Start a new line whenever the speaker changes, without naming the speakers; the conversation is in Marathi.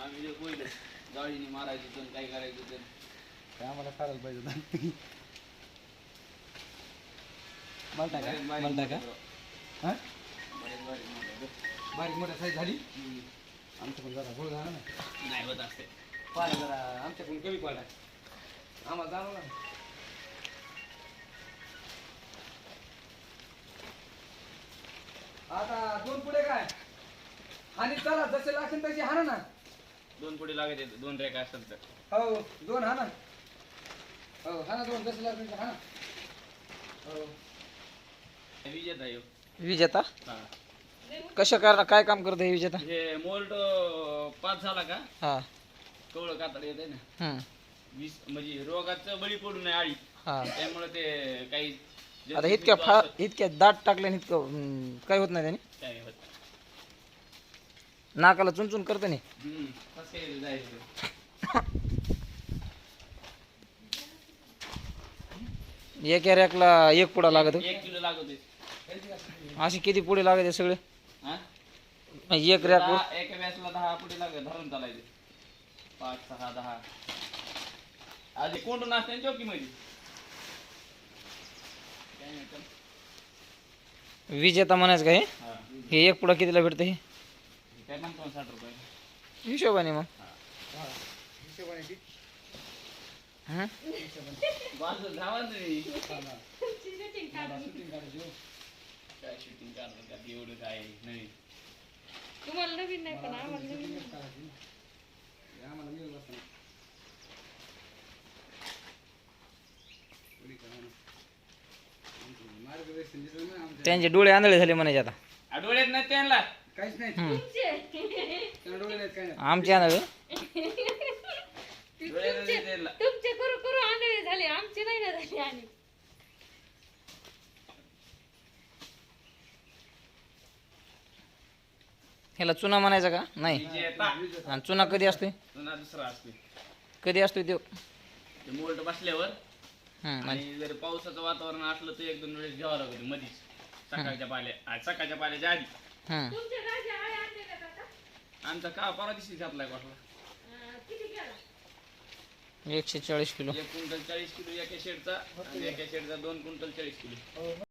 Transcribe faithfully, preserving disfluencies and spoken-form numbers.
आम्ही जे बोललो जाळीने मारायचं तर काय करायचं तर
काय आम्हाला करायला पाहिजे होतं. मला टाका मला टाका हां बारीक मोठ्या साईज झाली आमच्याकडून जरा गोळ झाला ना
नाही होत असते
पाडा जरा आमच्याकडून कमी पाडा आम्हाला जाणवलं ना. आता दोन पुढे काय आणि चला जसे लागेल तशी हाणा ना.
दोन पुढे लागत दोन रेखा असेल तर
हो दोन हाणा हो हाणा दोन जसे लागेल तसे हाणा हो.
विजेता येऊ
विजेता
हा
कशा करा काय काम करतो हे विजेता?
हे मोल्ट पास झाला का
हा
कवळं कातड येत आहे ना
हम्म
वीस म्हणजे रोगाचं बळी पडू नये आळी
हा
त्यामुळे ते काही
आता इतक्या फा इतक्या दाट टाकल्याने इतकं हम्म, काय होत नाही त्याने
काय होत
नाकाला चुनचुन करतं नाही.
हम्म कसं काय जायचं
एक रॅकला एक पुडा लागत
एक किलो लागत आहे.
असे किती पुढे लागत आहे सगळे
हा
एक रॅक
दहा- एका व्यासला दहा पुढे लागत धरून चालायचे पाच सहा दहा आधी कोंडून असते ना चौकी मध्ये काय नाही तर.
विजेता म्हणायचं का हे
हा
हे एक पुडा कितीला भेटतं हे
हे काय म्हणतो साठ रुपये
हिशोबाने मग
हिशोबाने ती
हं?
बाजू धावा तुम्ही
शूटिंग काढायची हो.
काय शूटिंग काढलं का एवढं काय नाही
तुम्हाला नवीन नाही पण आम्हाला नवीन
शूटिंगच काढायची ना. हे आम्हाला मिळत असतं ना. कोणी करा ना. आमचं मार्गदर्शन दिसलं ना आमच्या
त्यांचे डोळे आंधळे झाले म्हणायचे आता
आ, डोळ्यात नाही त्यांना
काहीच नाही
हम्म.
त्याला डोळे नाहीत काय नाही.
आमचे आंधळे
डोळ्यात नाही त्यांना
तुमचे करू करू आंधळे झाले आमचे नाही ना झाले आणि
ह्याला चुना म्हणायचा का नाही
विजेता
आणि चुना कधी असतोय
पुन्हा दुसरा असते
कधी असतोय तो
ते मोल्ट बसल्यावर
हं, आणि
आणि जर पावसाचं वातावरण असलं तर एक दोन वेळेस घ्यावं लागतं मधीच सकाळच्या पाल्या आज सकाळच्या पाल्याच्या आधी
हं.
तुमचे राजे आळे आणले का काका?
आमचा का परवा दिवशी घातलाय वाटला
अं, किती गेला
एकशे चाळीस किलो
एक क्विंटल चाळीस किलो एका शेडचा आणि एका शेडचा दोन क्विंटल चाळीस किलो